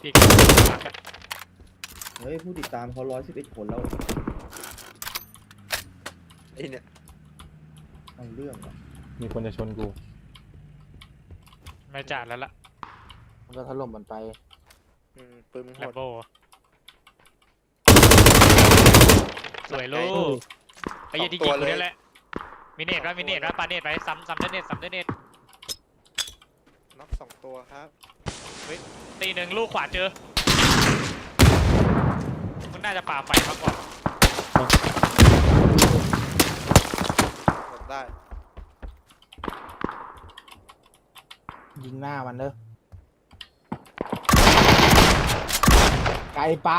พี่ก็มากันเฮ้ยผู้ติดตามเขา111 คนแล้วไอ้เนี่ยเอาเรื่องอ่ะมีคนจะชนกูไม่จ่ายแล้วล่ะมันก็ถล่มมันไปปืนมันโหแลมดโบสวยลูกไอ้ยี่ที่ยิงกูนี่แหละมินเนตว่ามินเนตว่าปาเนตไปซ้ำเดนเนตซ้ำเดนเนตน็อก2 ตัวครับตีหนึ่งลูกขวาเจอมึงน่าจะป่าไฟมากกว่าหมดได้ยิงหน้ามันเด้อไกลไป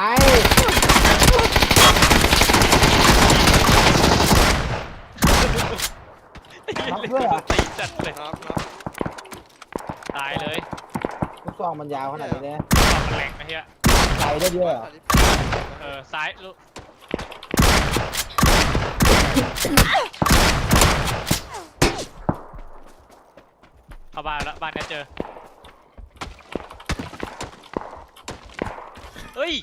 น็อกด้วยเหรอตีจัดเลยน็อกตายเลยลูกซองมันยาวขนาดนี้เลยตอกมันแหลกนะเฮียไกลได้เยอะเหรอซ้ายลูกเข้าบ้านแล้วบ้านนี้เจอเฮ้ย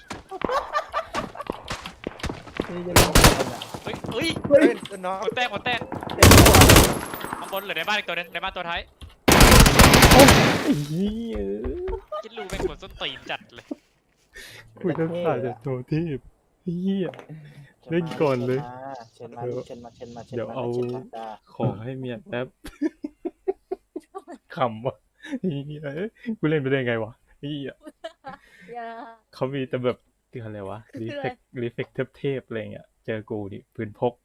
นี่จะเล่นอะไรเนี่ยเฮ้ยเฮ้ยเฮ้ยน็อกหมดแตกข้างบนเหลือในบ้านอีกตัวนึงในบ้านตัวท้ายไอ้เหี้ยคิดรูเป็นคนส้นตีนจัดเลยกูจะขาดจากโทเทพไอ้เหี้ย เล่นก่อนเลยเชิญมาเชิญมาเชิญมาเชิญมาเดี๋ยวเอาเชิญมาจ้าของให้เมียแป๊บ ขำวะไอ้เหี้ยเอ้ยกูเล่นไปได้ไงวะไอ้เหี้ยอย่าเขามีแต่แบบคืออะไรวะรีเฟกเทพๆอะไรเงี้ย เจอกูดิปืนพก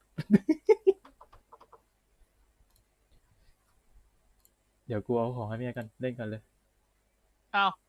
เดี๋ยวกูเอาของให้เมียกันเล่นกันเลยอ้าว